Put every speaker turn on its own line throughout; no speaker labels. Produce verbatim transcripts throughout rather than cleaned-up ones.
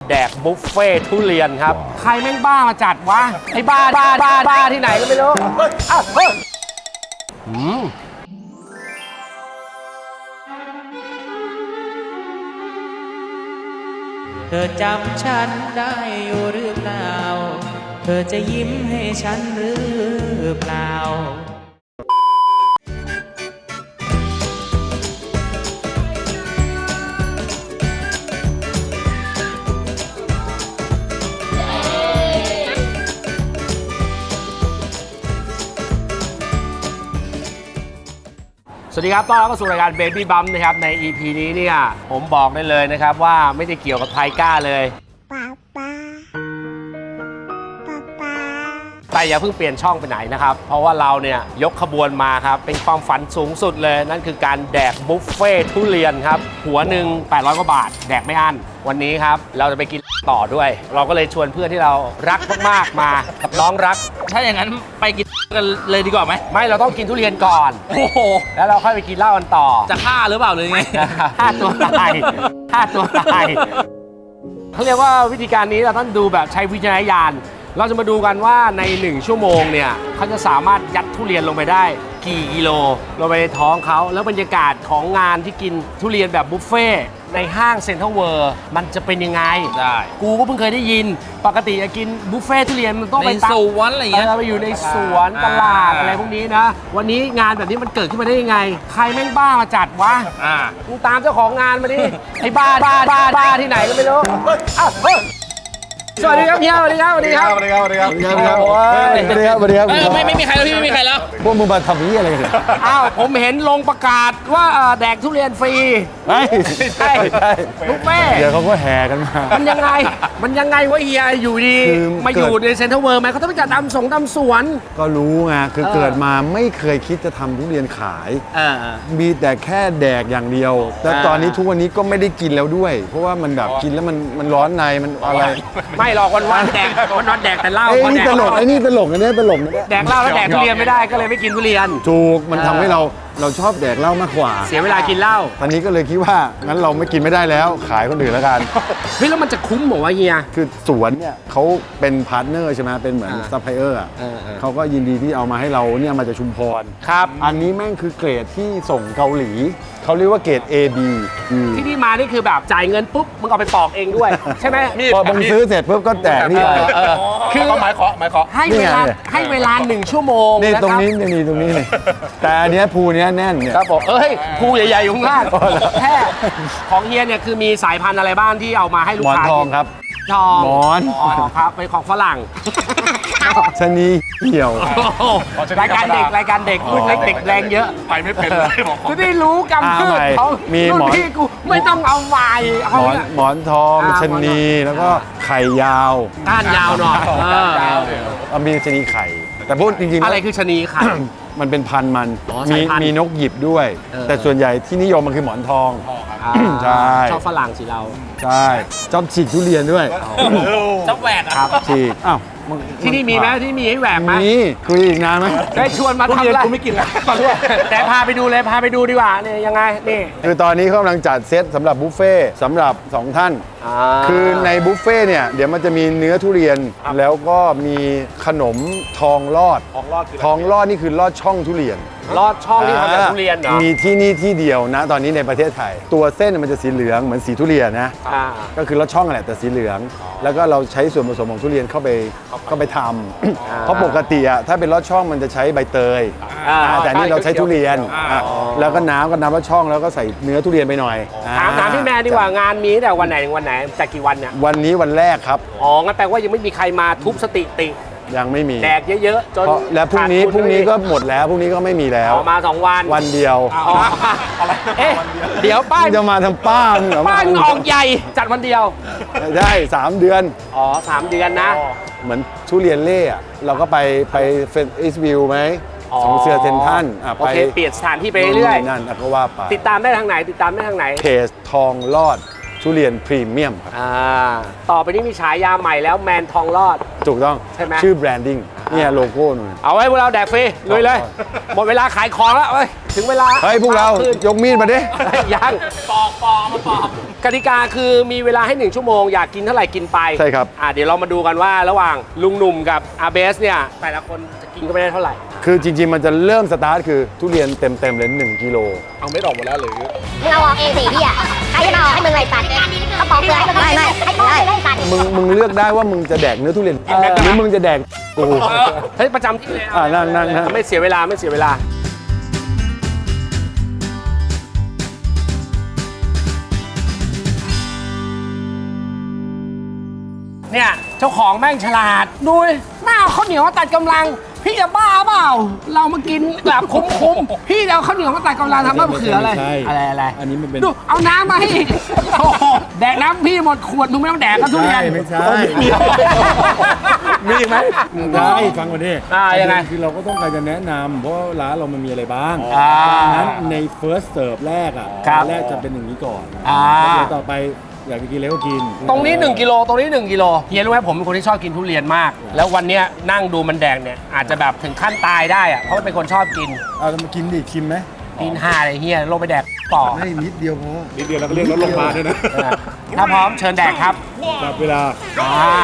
แดกบุฟเฟ่ทุเรียนครับใครแม่งบ้ามาจัดวะไอ้บ้าบ้าบ้าบ้าที่ไหนก็ไม่รู้อ้าวเฮ้ยอืม
เธอจำฉันได้อยู่หรือเปล่าเธอจะยิ้มให้ฉันหรือเปล่า
สวัสดีครับต้อนรับเข้าสู่รายการ Baby Bump นะครับใน อี พี นี้เนี่ยผมบอกได้เลยนะครับว่าไม่ได้เกี่ยวกับไทก้าเลยป๊าป๊าป๊าป๊าแต่อย่าเพิ่งเปลี่ยนช่องไปไหนนะครับเพราะว่าเราเนี่ยยกขบวนมาครับเป็นความฝันสูงสุดเลยนั่นคือการแดกบุฟเฟ่ทุเรียนครับหัวหนึ่งแปดร้อยกว่าบาทแดกไม่อั้นวันนี้ครับเราจะไปกินต่อด้วยเราก็เลยชวนเพื่อนที่เรารักมากๆมากับน้องรัก
ถ้าอย่างนั้นไปกินกันเลยดีกว่าไหม
ไม่เราต้องกินทุเรียนก่อน
โอ้โห
แล้วเราค่อยไปกินเหล้ากันต่อ
จะฆ่าหรือเปล่าเลยไง
ฆ่าตัวตายฆ่าตัวตายเขาเรียกว่าวิธีการนี้เราต้องดูแบบใช้วิจารณญาณเราจะมาดูกันว่าในหนึ่งชั่วโมงเนี่ยเขาจะสามารถยัดทุเรียนลงไปได้กี่กิโลลงไปในท้องเขาแล้วบรรยากาศของงานที่กินทุเรียนแบบบุฟเฟ่ในห้างเซ็นทรัลเวิลด์มันจะเป็นยังไง
ได้
กูก็เพิ่งเคยได้ยินปกติจะกินบุฟเฟ่ทุเรียนมันต้องไป
ในสวนอะไรอย่างเงี้ย
เราไปอยู่ในสวนตลาดอะไรพวกนี้นะวันนี้งานแบบนี้มันเกิดขึ้นมาได้ยังไงใครแม่งบ้ามาจัดวะ
อ่า
มึงตามเจ้าของงานมาดิไอ้บ้าบ้าบ้าบ้าที่ไหนก็ไม่รู้อ้าวสวัสดีครับเฮียสวัสดีครับสวัสดีครับ
สวัสดีครับสวัสดีครับสวัสดีครับสวัสดีครับสวัสดีครับ
ไม่ไม่มีใครแล้วพี่ไม่มีใครแล้ว
พวกมึงมาทำนี้อะไรกัน
อ้าวผมเห็นลงประกาศว่าแดกทุเรียนฟรี
ไม่ใช่
บุฟเฟ่
เดี๋ยวเขาก็แห่กันมา
มันยังไงมันยังไงวะเฮียอยู่ดีมาอยู่ในเซ็นทรัลเวิลด์ไหมเขาต้องไปจัดตามสงตามสวน
ก็รู้ไงคือเกิดมาไม่เคยคิดจะทำทุเรียนขายมีแต่แค่แดกอย่างเดียวแต่ตอนนี้ทุกวันนี้ก็ไม่ได้กินแล้วด้วยเพราะว่ามันแบบกินแล้วมันมันร้อนในมันอะไร
ไม่หรอกวันวันแดกวันวันแดกแต่เหล้า
ไอ้นี่ตลกไอ้นี่ตลกอันนี้ตลกนะ
แดกเหล้าแล้วแดกทุเรียนไม่ได้ก็เลยไม่กินทุเรียน
ถูกมันทำให้เราเราชอบแดกเหล้ามากกว่า
เสียเวลากินเหล้า
ตอนนี้ก็เลยคิดว่างั้นเราไม่กินไม่ได้แล้วขายคนอื่นแล้วกัน
เฮ้ยแล้วมันจะคุ้มเหรอวะเฮีย
คือสวนเนี่ยเขาเป็นพาร์ทเนอร์ใช่ไหมเป็นเหมือนซัพพลายเออร์อ่ะเขาก็ยินดีที่เอามาให้เราเนี่ยมาจากชุมพร
ครับ
อันนี้แม่งคือเกรดที่ส่งเกาหลีเขาเรียกว่าเกรด เอ บี
ที่นี่มานี่คือแบบจ่ายเงินปุ๊บมึงเอาไปปอกเองด้วยใช่ไหม
พอมึงซื้อเสร็จปุ๊บก็แจกนี่ไป
คือ
หมายเคาะหมายเคาะ
ให้เวลาให้เวลาหนึ่งชั่วโมง
นี่ตรงนี้นี่ตรงนี้นี่แต่อันนี้ภูนี้แน่นเนี่ย
ครับผมเอ้ยภูใหญ่ๆอยู่ข้างล่างแค่ของเฮียเนี่ยคือมีสายพันธุ์อะไรบ้างที่เอามาให้ลูกค้า
หมอนทองครับ
ทอง
หมอน
ครับเป็นของฝรั่ง
ชนีเหี่ยว
รายการเด็กรายการเด็กรุ่นเล็กเด็กแรงเยอะ
ไปไม่เป็นเลยบอก
กูได้รู้กำพืชเขา
มีหมอน
พี่กูไม่ต้องเอาไม้
หมอนหมอนทองชนีแล้วก็ไข่ยาว
ก้านยาวหน่อย
มีชนีไข่แต่พูดจริงๆ
อะไรคือชนีไข่
มันเป็นพันมันมีมีนกหยิบด้วยแต่ส่วนใหญ่ที่นิยมมันคือหมอนทองใช่
ชอบฝรั่งสิเรา
ใช่ชอบฉีกทุเรียนด้วย
ชอบแหวก
ครับ
ฉีกอ้าว
ที่นี่มีไหมที่มีให้แหวกไหม
มีคุยอีกนานไหม
ได้ชวนมาทำอะไร
กูไม่กินแล้ว
แต่พาไปดูเลยพาไปดูดีกว่าเนี่ยยังไงนี่
คือตอนนี้เขากำลังจัดเซตสำหรับบุฟเฟ่สำหรับสองท่านคือในบุฟเฟ่เนี่ยเดี๋ยวมันจะมีเนื้อทุเรียนแล้วก็มีขนมทองลอด
ทองลอด
ทองลอดนี่คือลอดช่องทุเรียน
ลอดช่องที่ทำจากทุเรียนเหรอ
มีที่นี่ที่เดียวนะตอนนี้ในประเทศไทยตัวเส้นมันจะสีเหลืองเหมือนสีทุเรียนนะก็คือลอดช่องแหละแต่สีเหลืองแล้วก็เราใช้ส่วนผสมของทุเรียนเข้าไปเข้าไปทำเพราะปกติอะถ้าเป็นลอดช่องมันจะใช้ใบเตยแต่นี่เราใช้ทุเรียนแล้วก็น้ำก็น้ำลอดช่องแล้วก็ใส่เนื้อทุเรียนไปหน่อย
ถามถามพี่แม่ดีกว่างานมีแต่วันไหนวันไหนจากกี่วันเนี่ย
วันนี้วันแรกครับ
อ๋องั้นแปลว่ายังไม่มีใครมาทุบสติติ
ยังไม่มี
แดกเยอะๆจน
แล้วพรุ่งนี้พรุ่งนี้ก็หมดแล้วพรุ่งนี้ก็ไม่มีแล้ว
มาสองวัน
วันเดียว
เอ๊ะเดี๋ยวป้า
จะมาทำป้า
ป้าออกใหญ่จัดวันเดียว
ได้สามเดือน
อ๋อสามเดือนนะ
เหมือนทุเรียนเล่อะเราก็ไปไปเฟสอิสวิวไหมสองเสือเซนทัน
โอเคเปลี่ยนสถานที่ไปเรื่อย
นั่นก็ว่าไป
ติดตามได้ทางไหนติดตามได้ทางไหน
เพจทองลอดทุเรียนพรีเมียมครับ
ต่อไปนี้มีฉายาใหม่แล้วแมนทองลอด
ถูกต้อง
ใช่ไหม
ชื่อแบรนดิ้งเนี่ยโลโก้หน่อย
เอาไว้พวกเราแดกฟรีลุยเลย หมดเวลาขายของแล้วเอ้ยถึงเวลา
เฮ้ยพวกเรา
ขึ้น
ยกมีดมาดิ
ยังปอกปอกมาปอกกติกาคือมีเวลาให้หนึ่งชั่วโมงอยากกินเท่าไหร่กินไป
ใช่ครับ
อ่ะเดี๋ยวเรามาดูกันว่าระหว่างลุงหนุ่มกับอาเบสเนี่ยแต่ละคนจะกินก็ไม่ได้เท่าไหร่
คือจริงๆ มันจะเริ่มสตาร์ทคือทุเรียนเต็มๆเลยหนึ่งกิโล
เอาเม็ดออกหมดแล้วหรือ
มึงเอาออกเองสิพี่อ่ะใครจะมาออกให้มึงไรสัตว์เขาปอกเปลือกให้มึงไม่ไม่ให้ปอกเลยสัตว์
มึงมึงเลือกได้ว่ามึงจะแดกเนื้อทุเรียนหรือมึงจะแดกกู
เฮ้ยประจำที่เลย
อ่ะนั่งนั่งนั่ง
ไม่เสียเวลาไม่เสียเวลาเนี่ยเจ้าของแม่งฉลาดดูดิหน้าข้าวเหนียวมาตัดกำลัง พี่จะบ้าเปล่า เรามากินแบบคุ้มๆพี่จะเอาข้าวเหนียวมาตัดกำลังทำมะเขืออะไรอะไรอะไร
อันนี้มันเป็น
ดูเอาน้ำมาให้อีกโอ้โหแดกน้ำพี่หมดขวดมึงไม่ต้องแดกก็ทุเรียน
ไม่ใช่
มีอีกไหม
ใช่ฟังก่อนดิ
อ่ายังไง
คือเราก็ต้องการจะแนะนำเพราะว่าร้านเรามันมีอะไรบ้าง
อ่า
ดังนั้นใน first serve แรกอ่ะ
ครับ
แรกจะเป็นอย่างนี้ก่อน
อ่า
เดี๋ยวต่อไปอยากจะกินอะไรก็กิน
ตรงนี้หนึ่งกิโลตรงนี้หนึ่งกิโลเฮียรู้ไหมผมเป็นคนที่ชอบกินทุเรียนมาก แล้ววันเนี้ยนั่งดูมันแดงเนี่ยอาจจะแบบถึงขั้นตายได้อะเพราะมันเป็นคนชอบกิน
เอาแล้วมากินดิชิมไหม
กินห่าเลยเฮียลงไปแดกต่อ
ไม่นิดเดียวพอ
นิดเดียวแล้วก็เรียกรถโรงพยาบาลด้วยนะ
ถ้าพร้อมเชิญแดกครับ
แบบเวลา
อ่า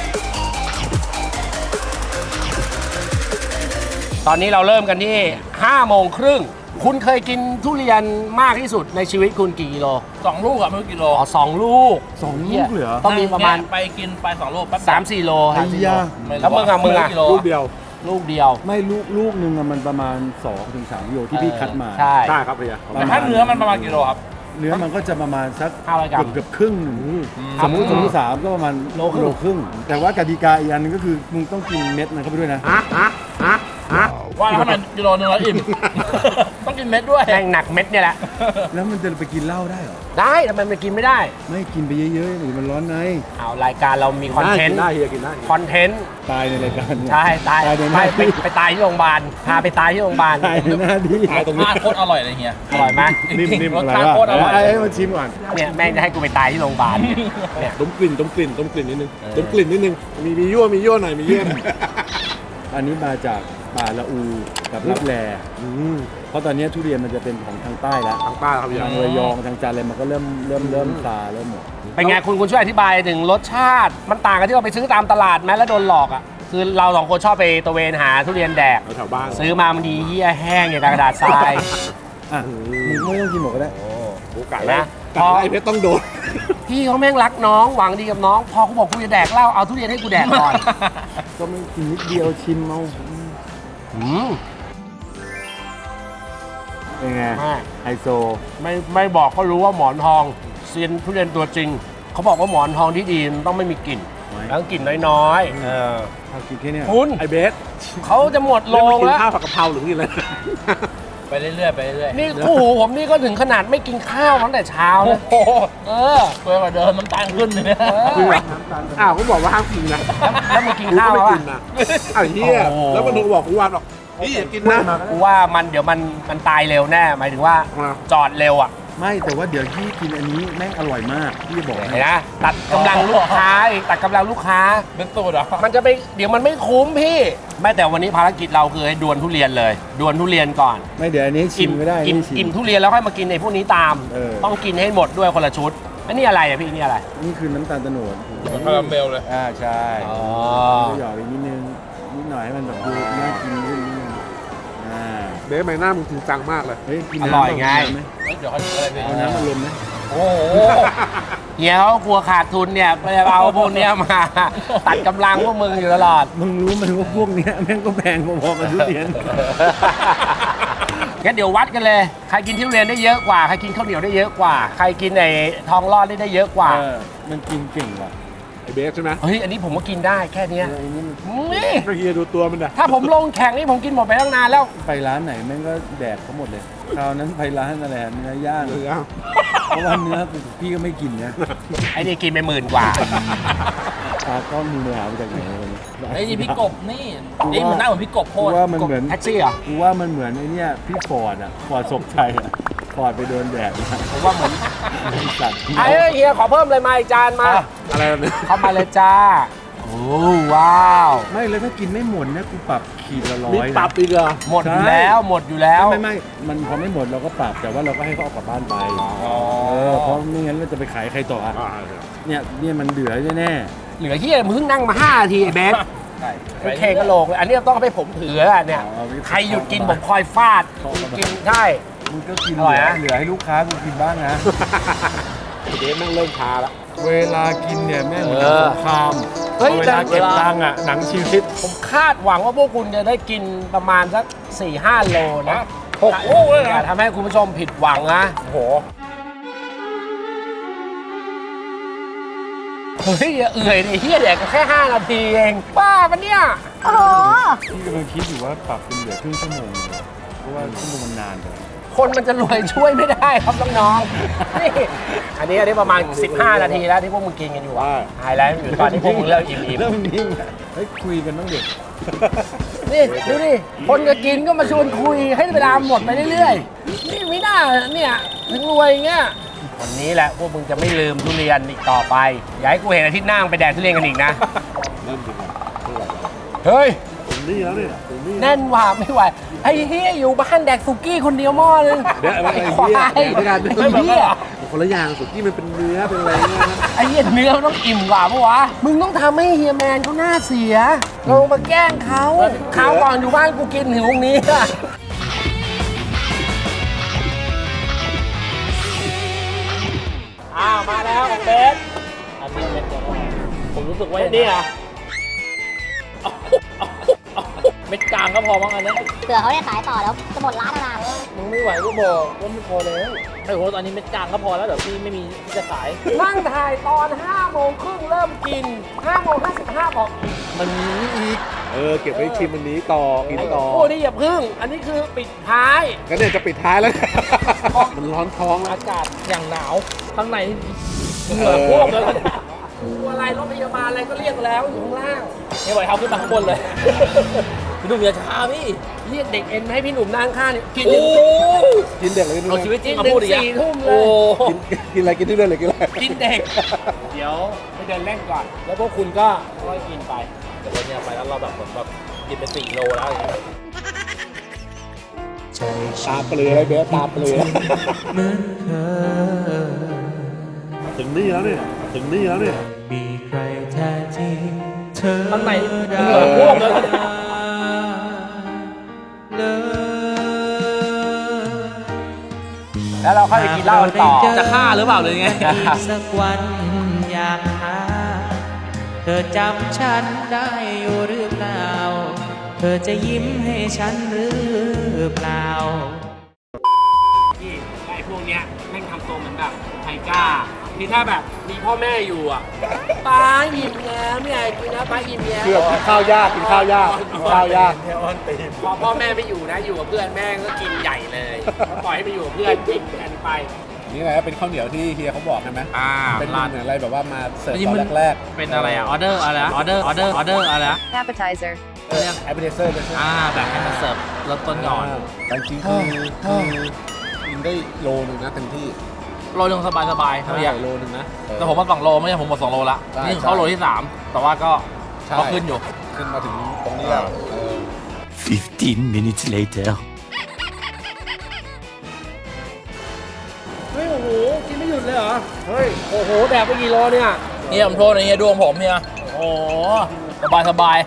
ตอนนี้เราเริ่มกันที่ห้าโมงครึ่งคุณเคยกินทุเรียนมากที่สุดในชีวิตคุณกี่กิโล
สองลูกอะไม่รู้กิโล
อ๋อสองลูก
สองลูกเหลือ
ต้องมีประมาณ
ไปกินไปสองลูกแป๊บ
สามสี่โลครับ
ไอ้ยา
แล้วมึงอะมึงอะ
ไรู้กิโล
ลูกเดียว
ลูกเดียว
ไม่ลูกลูกหนึ่งอะมันประมาณสองถึงสามกิโลที่พี่คัดมา
ใช่
ใช่ครับพี่
แต่ถ้าเนื้อมันประมาณกิโลครับ
เนื้อมันก็จะประมาณสัก
ห้าร้อยกรัม
เกือบเกือบครึ่งหนึ่งสมมติสมมติสามก็ประมาณโลครึ่งโลครึ่ง แต่ว่ากติกาอีกอันหนึงก็คือมึงต้องกินเม็ดมันเข้าไปด้วยนะ
ฮะฮะฮะฮะ
ว่าถ้ามันกิโลนึงแล้วอิ่ม ต้องกินเม็ดด้วย
แม่งหนักเม็ดเนี่ยแหละ
แล้วมันจะไปกินเหล้าได้เหรอ
ได้ทำไมมันกินไม่ได้
ไม่กินไปเยอะๆหรือมันร้อนใน
เอารายการเรามีคอนเทนต์
ได้เฮียกินได้
คอนเทนต์
ตายในรายการเนี่ย
ใช่ตาย
ตายในห
ไป
น้า
ไป
ที่
ไปตายที่โรงพยาบาลพาไปตายที่โรงพยาบาล
ตายในหน้าที่
ตายตรงนี้
รสชาติโคตรอร่อยเลยเฮีย
อร่อยไหม
นิ่มๆ
ร
อะ
ส
ไร
ชาติ
วะ
โคตรอร่อย
ไอ้ไอ้มาชิมก่อน
เนี่ยแม่งจะให้กูไปตายที่โรงพยาบาลเนี่ย
ต้มกลิ่นต้มกลิ่นต้มกลิ่นนิดนึงต้มกลิ่นนิดนึงมีมียั่วมียั่วหน่อยมียั่วหน่อย
อันนี้มาจากป่าละอูกับรับแล
อืม
เพราะตอนนี้ทุเรียนมันจะเป็นของทางใต้แล้ว
ทางใต้ครับพี่
ทางระยองทางจันทร์อะไรมันก็เริ่มเริ่มเริ่มซาเริ่มหมด
เป็นไงคุณคุณช่วยอธิบายถึงรสชาติ มันต่างกันที่เราไปซื้อตามตลาดไหมแล้วโดนหลอกอ่ะคือเราสองคนชอบไปตระเวนหาทุเรียนแดก
แถวบ้าน
ซื้อมามันดีเหี้ยแห้งอย่างกับกระดาษทราย
อ่ะมึงไม่ต้องกินหมดก็ได้
โอ้ไก่
นะ
นะไก่ไอ้เพชรต้องโดน
พี่เขาแม่งรักน้องหวังดีกับน้อง พอกูบอกกูจะแดกเหล้าเอาทุเรียนให้กูแดกก่อน
ก็ไม่กินนิดเดียวชิมเอา
อืม
เป็นไง
ไม่
ไฮโซ
ไม่ไม่บอกก็รู้ว่าหมอนทองเซียนทุเรียนตัวจริง เขาบอกว่าหมอนทองที่ดีมันต้องไม่มีกลิ่น
ไว้
แล้วกลิ่นน้อยๆเออ
เอากินแค่เนี้ย
คุณ
ไอ้เบส
เขาจะหมดโล
เรื่อง
ง
มากิน
แล้ว
ข้าวผัดกะเพราหรือกินอะไร
ไปเรื่อยๆไปเรื่อยๆ
นี่คู่หูผมนี่ก็ถึงขนาดไม่กินข้าวตั้งแต่เช้านะ
โอ้โห
เออ
ตัวกว่าเดิมน้ำตาลขึ้นเลยเนี่ย
คือแบบอ้าวเขาบอกว่าห้ามกินนะ
แล้วมึงกิน
กู
ข้า
ก็
ว
ไม่
ป่ะ
กินนะอ้าวเฮีย
โอ้โห
แล้วมันโทรบอกกูว่าบอกพี่อย่ากินนะ
กูว่ามันเดี๋ยวมันมันตายเร็วแน่ หมายถึงว่า
อ่า
จอดเร็วอ่ะ
ไม่แต่ว่าเดี๋ยวที่กินอันนี้แม่งอร่อยมากพี่จะบอก
เห็
ให้
นนะตัดกำลังลูกค้าอีกตัดกำลังลูกค้า
เป็นตูดเหรอ
มันจะไปเดี๋ยวมันไม่คุ้มพี่ไม่แต่วันนี้ภารกิจเราคือให้ดวลทุเรียนเลย ดวลทุเรียนก่อน
ไม่เดี๋ยวอันนี้ชิมไม่ได้
อิ่ม
นี่ชิม
อิ่มทุเรียนแล้วค่อยมากินในพวกนี้ตาม
เออ
ต้องกินให้หมดด้วยคนละชุดอันนี้อะไรอ่ะพี่นี่อะไร
นี่คือน้ำตาลโตโนด
เหมือนคาราเมลเลย
อ่าใช่
อ๋อ
ก็หยอกอีกนิดนึงนิดหน่อยให้มันแบบดูน่ากินขึ้นนิดนึงอ่า
เบสใบหน้ามึงจริงจังมากเลย
เฮ้ยกิน
อ
น้ำ
ร่อยไง
เาน้ำหม
เดี๋ยวเขาอะไรไป
เอาน้ำมาลมไหม
โอ้โหเฮียเขากลัวขาดทุนเนี่ยไปเอาพวกเนี้ยมา ตัดกำลังพวกมึงอยู่ตลอด
มึงรู้ไหมว่าพวกเนี้ยแม่งก็แพงพอๆกับทุเรียน
งั้นเดี๋ยววัดกันเลย ใครกินทุเรียนได้เยอะกว่า ใครกินข้าวเหนียวได้เยอะกว่า ใครกินไอ้ทองรอดได้ได้เยอะกว่า
เออมันกินเก่งว่ะ
ไอ้เบสใช่ไหม
เฮ้ย อันนี้ผมก็กินได้แค่เนี้ย
เอออันนี้มัน
นี่
ก็เฮียดูตัวมันนะ
ถ้าผมลงแข่งนี่ผมกินหมดไปตั้งนานแล้ว
ไปร้านไหนแม่งก็แดกเขาหมดเลยคราวนั้นไปร้านอะไรอะเนื้อย่าง
เดี๋ยว
เพราะว่าเนื้อพี่ก็ไม่กินนะ
ไอ้นี่กินไปหมื่นกว่า
ตากล้องมึงไปหามาจากไหนวันนี้
ไอ้นี่พี่กบนี่นี่เหมือนหน้าเหมือนพี่กบโค
กู
ตร
ว่ามันเหมือน
แท็กซี่เหรอ
กูว่ามันเหมือนไอ้เนี่ยพี่ฟอร์ดอะฟอร์ดศพชัยอะฟอร์ดไปโดนแดดมา
ผมว่าเหมือน
ไอ้สัตว์
ไอ้เฮียขอเพิ่มเลยมาอีกจานมา
อะไรแบบนี้
เข้ามาเลยจ้าโอ้ว้าว
ไม่เลยถ้ากินไม่หมดนะกูปรับขีดละร้อ
มี
ย
ปรับอีกเหรอ
หมดอยู่แล้วหมดอยู่แล้ว
ไม่ไม่มันพอไม่หมดเราก็ปรับแต่ว่าเราก็ให้เขาเอากลับบ้านไปเออเพราะไม่งั้นเราจะไปขายใครต่ออ่ะเนี่ยเนี่ยมันเหลือแน่
เหลือที่มึงเพิ่งนั่งมาห้านาทีไอ้เบสโอเคกระโหลกเลยอันนี้ต้องเอาไปผมถืออะเนี่ยใครหยุดกินผมคอยฟาดกินใช่
ๆมึงก็กิน
อร่อยนะ
เหลือให้ลูกค้ากูกินบ้างนะ
เดฟแม่งเริ่มช้าละ
เวลากินเนี่ยแม่งเหมือน
เออ
สงคราม
เฮ้ย
เวลาเก็บตังค์อ่ะหนังชีวิต
ผมคาดหวังว่าพวกคุณจะได้กินประมาณสักสี่ห้าโลนะ
หกโอ้เลย
อย่า
นะ
ทำให้คุณผู้ชมผิดหวังนะ
โอ้โห
เฮ้ยอย่าเอื่อยดิเฮียเด็กก็แค่ห้านาทีเองบ้าปะเนี่ย
โอ้โห
พี่กำลังคิดอยู่ว่าปรับเป็นเหลือครึ่งชั่วโมงเพราะว่าชั่วโมงมันนานไป
คนมันจะรวยช่วยไม่ได้ครับน้องๆนี่อันนี้อันนี้ประมาณ สิบห้า นาทีแล้วที่พวกมึงกินกันอยู่อะไฮไลท์มันอยู่ตอนที่พวกมึงเลิกอิ่ม
เริ่มนิ่งอ่ะเฮ้ยคุยกันต้องเด็ก
ๆนี่ดูดิคนจะกินก็มาชวนคุยให้เวลาหมดไปเรื่อยๆนี่ไม่น่าเนี่ยถึงรวยอย่างเงี้ยวันนี้แหละพวกมึงจะไม่ลืมทุเรียนอีกต่อไปอย่าให้กูเห็นอาทิตย์หน้ามึงไปแดกทุเรียนกันอีกนะ
เริ่มกินแล้วเท่าไหร่แล้ว
เฮ้ย
ถึงนี่แล้วเนี่ยถึงนี่
แน่นว่าไม่ไหวไอ้เฮียอยู่บ้านแดกสุกี้คนเดียวหม้อนึง
เดี๋ยวไอ้
ไอ้
เหี้
ควาย
เดี๋ยวด้วยกัน
ไอ้เฮีย
คนละอย่างสุกี้มันเป็นเนื้อเป็นอะไรเงี้ยนะ
ไอ้เหี้ยเนื้อมันต้องอิ่มกว่าปะวะ มึงต้องทำให้เฮียแมนเขาหน้าเสียลงมาแกล้งเขาคราวก่อนอยู่บ้านกูกินถึงตรงนี้อะอ้าวมาแล้วของเบส
อันนี้เม็ดเดียวนะผมรู้สึกว่า
เม็ดนี้เหรอ
เม็ดกลางก็พอมั้งอันเนี้ย
เผื่อเขาได้ขายต่อแล้วจะหมดร้านแล้วนะ
มึงไม่ไหวก็บอกว่าไม่พอแล้วไอ้โหตอนนี้เม็ดกลางก็พอแล้วเดี๋ยวพี่ไม่มีที่จะขาย
นั่งถ่ายตอนห้าโมงครึ่งเริ่มกินห้าโมงห้าสิบห้าบอก
มันมีอีกเออเก็บไว้ชิมวันนี้ต่อกินต่อ
โอ้นี่อย่าพึ่ง อันนี้คือปิดท้าย
ก็เนี่ยจะปิดท้ายแล้ว มันร้อนท้องแล้ว
อากาศอย่างหนาวข้างในเหงื่อท่วมเลย
ตัวอะไรรถพยาบาลอะไรก็เรียกแล้วอยู่ข้างล่าง
ไม่ไหวเขาขึ้นมาข้างบนเลย พี่หนุ่มอย่าช้าพี่
เรียกเด็กเอ็นมาให้พี่หนุ่มนั่งข้างนี่กิน
โอ้
กินเด็กเลยกิน
เอาชีวิตจริงมา
หนึ่
พู
ง
ดอีกอะ
สี่ทุ่มเล
โอ้
ย
กินกินอะไรกินที่เรื่อยเลยกินอะไร
กินเด็ก เดี๋ยวไปเดินเล่นก่อน แล้วพวกคุณก็ค่อยกินไป
แต่วันเนี้ยไปแล้วเราแบบเหมือนแบบกินไปสี่โลแล้วอย่างเงี้ย
ตาเปลือยอะไรเบสตาเปลือย
เหมือนเคย
ถึงนี่แล้วเนี่ยถึงนี่แล้วเนี่ย
มีใครแท้จริงเธอ
ข้างใน
ได้
เหงื่อท่วมเลย
เลย
แล้วเราค่อยไปกินเหล้ากันต่อ
จะฆ่าหรือเปล่าเลยไง
อีกสักวันอยากหา เธอจำฉันได้อยู่หรือเปล่า เธอจะยิ้มให้ฉันหรือเปล่า
ที่ไอ้พวกเนี้ยแม่งทำตัวเหมือนแบบไทก้าที่ถ้าแบบมีพ่อแม่อยู่อ่ะป้าอิ่มแล้วไม่อยากกินนะป้าอิ่มแล้ว
เกือบกินข้าวยากกินข้าวยากกินข้าวยาก
พอพ่อแม่ไม่อยู่นะอยู่กับเพื่อนแม่งก็กินใหญ่เลยปล่อยให้ไปอยู่กับเพื่อนกินกันไป
นี่แหละเป็นข้าวเหนียวที่เฮียเขาบอกใช่ไหม
อ่า
เป็น
ร้าน
เหมือนอะไรแบบว่ามาเสิร์ฟ
อันนี้
ต
มั
อน นแรก
เป็นอะไรอะออเดอร์อะไรออเดอร์ออเดอร์ออเดอร์อะไรอะ
appetizer.
ๆเออแอปเปิลเซอร์เป็น
อ่าแบบให้มันเสิร์ฟรสต้นก่อน
แต่จริงๆคือคือกินได้โลนึงนะเต็มที่
โลนึงสบายสบายๆเท่าไหร่
โลนึงนะเออ
แต่ผมมาสองโลไม่ใช่ผมหมดสองโลละ
ใช่
นี่เขาโลที่สามแต่ว่าก็
ใช่
ก็ขึ้นอยู่
ขึ้นมาถึงตรงนี้แล้วเออ
Fifteen minutes later.
เฮ้ยโอ้โหกินไม่หยุดเลยเหรอเฮ้ยโอ้โหแดกไปกี่โลเนี่ย
เฮียผมโทษนะเฮียดวงผมเฮียโอ้สบายสบาย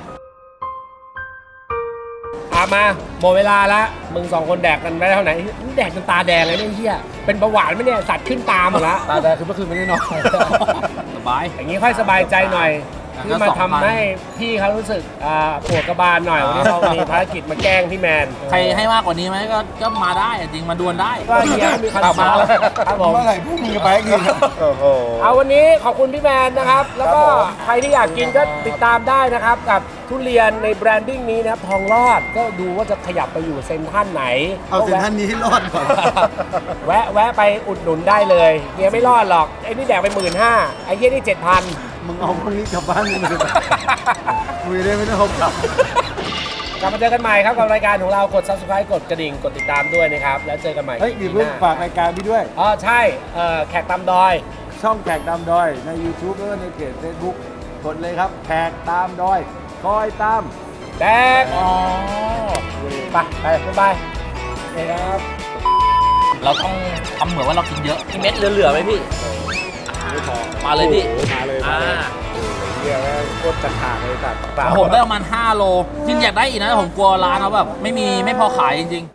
อามาหมดเวลาละมึงสองคนแดกกันไปได้เท่าไหร่มึงแดกจนตาแดงเลยเนี่ยไอ้เฮียเป็นเบาหวานไหมเนี่ยสัตว์ขึ้นตาหมดละ
ตาแดงคือเมื่อคืนไม่ได้นอน
สบาย
อย่างนี้ค่อยสบายใจหน่อย
อ่ะ
ที่มา
ก็สองพัน
ทำให้พี่เขารู้สึกอ่าปวดกระบาลหน่อยวันนี้เรามีภารกิจมาแกล้งพี่แมน
ใครให้มากกว่านี้ไหมก็ก็มาได้อะจริงมาดวลได้
ก็เฮียมีคอนเสิร์ตครับผม
เมื่อไหร่พวกมึงจะไปกินโอ้โห
เอาวันนี้ขอบคุณพี่แมนนะครับ แล้วก็ใครที่อยากกินก็ติดตามได้นะครับ กับทุเรียนในแบรนดิ้งนี้นะครับทองรอดก็ดูว่าจะขยับไปอยู่เซ็นทรัลไหน
เอาเซ็นทรัลนี้ให้รอดก่อน
แวะแวะไปอุดหนุนได้เลยเฮียไม่รอดหรอกไอ้นี่แดกไปหมื่นห้าไอ้เฮียนี่เจ็ดพัน
มึงเอาพวกนี้กลับบ้านมึงเลยคุยได้ไม่ต้องเอากลับ
กลับมาเจอกันใหม่ครับกับรายการของเรากด ซับสไครบ์ กดกระดิ่งกดติดตามด้วยนะครับแล้วเจอกันใหม่
เฮ้ยมีเพิ่งฝากรายการพี่ด้วย
อ๋อใช่เอ่อแขกตามดอย
ช่องแขกดำดอยใน YouTube แล้วก็ในเพจ Facebook คนเลยครับแขกตามดอยคอยตาม
แดกอ๋อไปไปบ๊ายบายนี่ครับ
เราต้องทำเหมือนว่าเรากินเยอะมีเม็ดเหลือๆไหมพี่
ไม่พอ
มาเลยพี่
โอ้โหมาเลยมา
อ่า
เลยโอ้โหเฮียแม่งโคตรจะขาดเลยสัตว์
ผมได้ประมาณห้าโลจริงอยากได้อีกนะแต่ผมกลัวร้านเขาแบบไม่มีไม่พอขายจริงๆ